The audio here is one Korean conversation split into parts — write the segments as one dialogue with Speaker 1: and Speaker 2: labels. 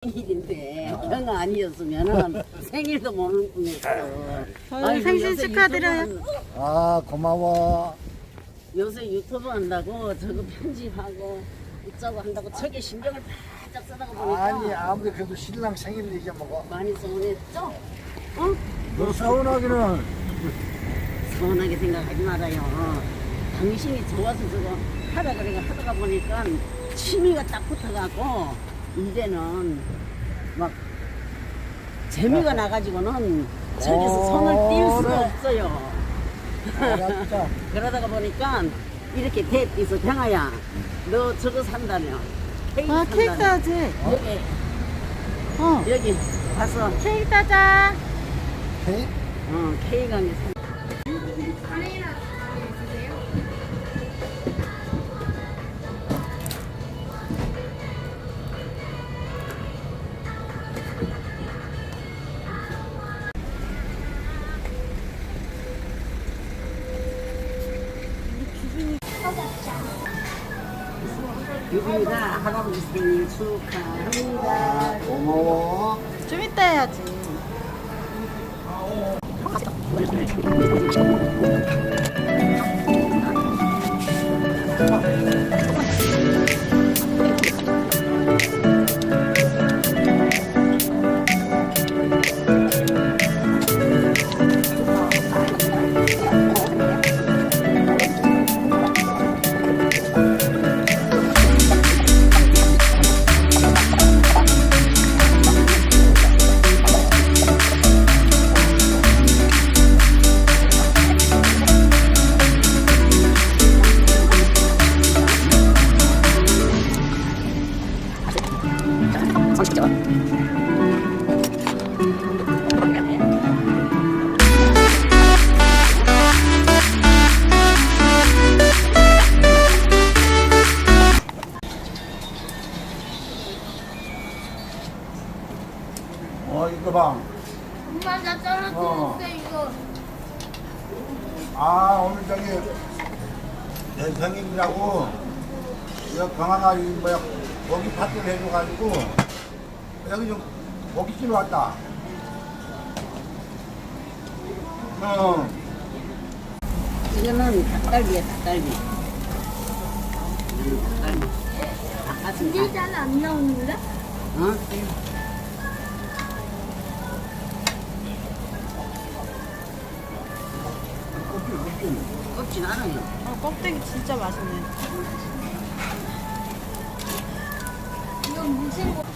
Speaker 1: 생일인데 경아 아니었으면은 생일도 모를 뻔했어. 아이고,
Speaker 2: 생신
Speaker 1: 요새
Speaker 2: 축하드려요.
Speaker 3: 아 고마워.
Speaker 1: 요새 유튜브 한다고 저거 편집하고 어쩌고 한다고 저게 신경을 바짝 쓰다가 보니까
Speaker 3: 아니 아무리 그래도 신랑 생일 얘기 먹어.
Speaker 1: 많이 서운했죠? 어?
Speaker 3: 너 서운하기는.
Speaker 1: 서운하게 생각하지 말아요. 당신이 좋아서 저거 하다 그래가 하다가 보니까 취미가 딱 붙어갖고 이제는 막 재미가 나가지고는 저기서 손을 뗄 수가
Speaker 3: 그래.
Speaker 1: 없어요.
Speaker 3: 알았다.
Speaker 1: 그러다가 보니까 이렇게 대띠서 경아야 너 저거 산다며 케이크
Speaker 2: 아, 케이크
Speaker 1: 산다며.
Speaker 2: 사야지.
Speaker 1: 여기 가서
Speaker 2: 케이크 사자.
Speaker 3: 케이크?
Speaker 1: 케이크 한개 사. 유빈이가 할아버지 생일 축하합니다.
Speaker 3: 고마워.
Speaker 2: 좀 이따 해야지.
Speaker 3: 이거 봐.
Speaker 4: 엄마 나 떨어뜨렸어 이거.
Speaker 3: 아 오늘 저기 내 생일이라고 여기 강화가 뭐야 고기 파티를 해줘가지고 여기 좀 고깃집에 왔다.
Speaker 1: 이거는 닭갈비야 닭갈비. 닭갈비. 닭가슴살.
Speaker 4: 근데 잘 안 나오는데?
Speaker 1: 어? 껍질 않아요.
Speaker 2: 껍데기 진짜 맛있네.
Speaker 4: 이건 무슨 거?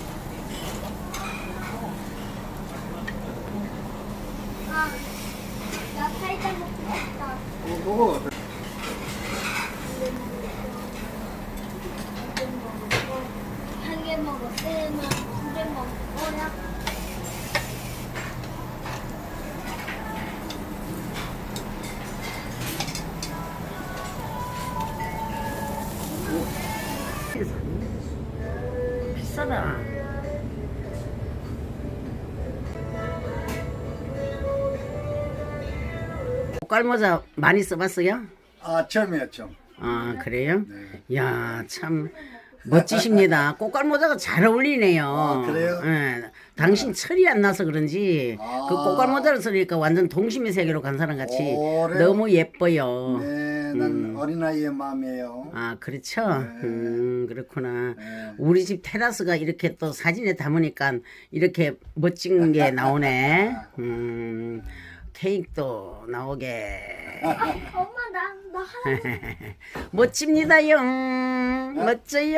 Speaker 4: 아, 나 살짝 먹고 싶다.
Speaker 3: 먹어.
Speaker 4: 한 개 먹어, 세나 두개 먹어야.
Speaker 1: 비싸다. 꽃갈모자 많이 써봤어요?
Speaker 3: 아 처음이야 처음.
Speaker 1: 아 그래요?
Speaker 3: 네.
Speaker 1: 야 참 멋지십니다. 꽃갈모자가 잘 어울리네요.
Speaker 3: 아, 그래요?
Speaker 1: 예, 당신 철이 안 나서 그런지
Speaker 3: 아.
Speaker 1: 그 꽃갈모자를 쓰니까 완전 동심의 세계로 간 사람 같이
Speaker 3: 그래요?
Speaker 1: 너무 예뻐요.
Speaker 3: 네, 난 어린아이의 마음이에요.
Speaker 1: 아 그렇죠. 그렇구나.
Speaker 3: 네.
Speaker 1: 우리 집 테라스가 이렇게 또 사진에 담으니까 이렇게 멋진 게 나오네. 케이크도 나오게.
Speaker 4: 엄마 나 하나.
Speaker 1: 멋집니다요. 멋져요.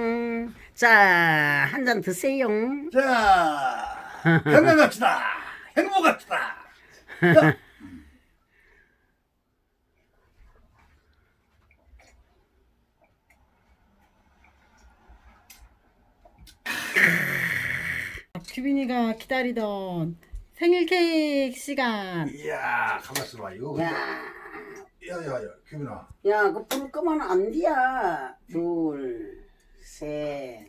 Speaker 1: 자, 한 잔 드세요.
Speaker 3: 자, 건강합시다. 행복합시다. 자.
Speaker 2: 규빈이가 기다리던 생일 케이크 시간.
Speaker 3: 이야, 가만있어 봐. 이거.
Speaker 1: 야,
Speaker 3: 야야야, 규빈아.
Speaker 1: 야, 그 불 끄면 안 돼야. 둘, 셋,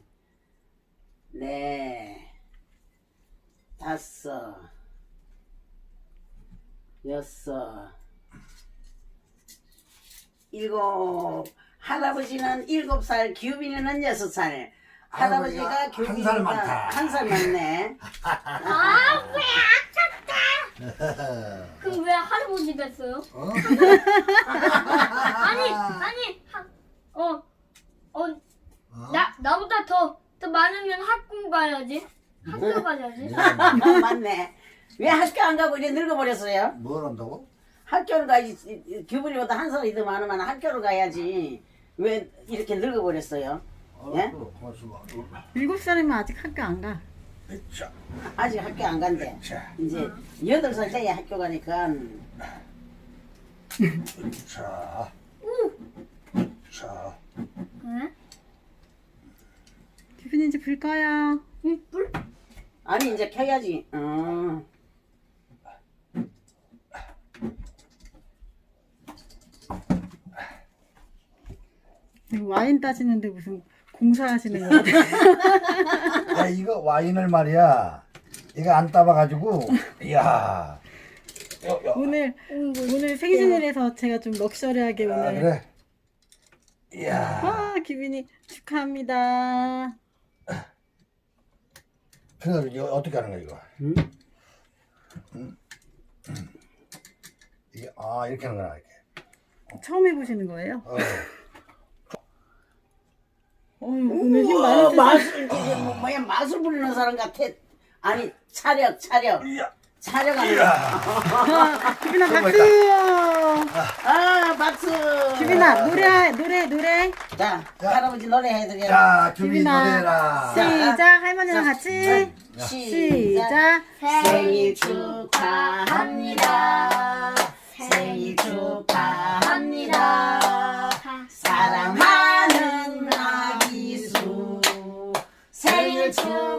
Speaker 1: 넷, 다섯, 여섯, 일곱. 할아버지는 7살, 규빈이는 6살. 할아버지가
Speaker 3: 한
Speaker 1: 교빈이가
Speaker 3: 살 많다.
Speaker 1: 한 살 많네.
Speaker 4: 아왜 아깝다. 그럼 왜 할아버지 됐어요?
Speaker 3: 어?
Speaker 4: 나보다 더 많으면 학교 가야지. 학교 가야지.
Speaker 1: 맞네. 왜 학교 안 가고 이제 늙어버렸어요?
Speaker 3: 뭘 한다고?
Speaker 1: 학교를 가야지. 교분이보다 한 살이 더 많으면 학교를 가야지. 왜 이렇게 늙어버렸어요? 예?
Speaker 3: 알았어. 고맙습니다.
Speaker 2: 7살이면 아직 학교 안 가.
Speaker 3: 자,
Speaker 1: 아직 학교 안 간대.
Speaker 3: 자,
Speaker 1: 이제 8살 돼야 학교 가니까.
Speaker 3: 자, 자.
Speaker 4: 응?
Speaker 2: 규빈이 이제 불 꺼요.
Speaker 4: 불?
Speaker 1: 아니 이제 켜야지.
Speaker 2: 이거 와인 따지는데 무슨 공사하시는 거 같아요.
Speaker 3: 야, 이거 와인을 말이야. 이거 안 따봐가지고, 이야.
Speaker 2: 오늘 생신이라서 제가 좀 럭셔리하게
Speaker 3: 아,
Speaker 2: 오늘.
Speaker 3: 그래. 이야.
Speaker 2: 와, 규빈이 축하합니다.
Speaker 3: 그래서 이거 어떻게 하는 거야, 이거?
Speaker 1: 응?
Speaker 3: 이게, 이렇게 하는 거야, 이렇게.
Speaker 2: 처음 해보시는 거예요?
Speaker 3: 어.
Speaker 2: 오늘 힘
Speaker 1: 우와,
Speaker 2: 많이
Speaker 1: 마술 이제 뭐야 마술 부리는 사람 같아. 아니 차력.
Speaker 3: 이야.
Speaker 1: 촬영하는 거.
Speaker 3: 이야.
Speaker 2: 규빈아 박수.
Speaker 1: 박수.
Speaker 2: 규빈아 노래.
Speaker 1: 자, 할아버지 노래 해드려.
Speaker 3: 자, 준비
Speaker 2: 규빈아
Speaker 3: 노래라.
Speaker 2: 시작. 할머니랑 같이
Speaker 1: 시작.
Speaker 2: 시작.
Speaker 1: 생일 축하합니다. 생일 축하합니다. 사랑하는 아기수 생일 축하합니다.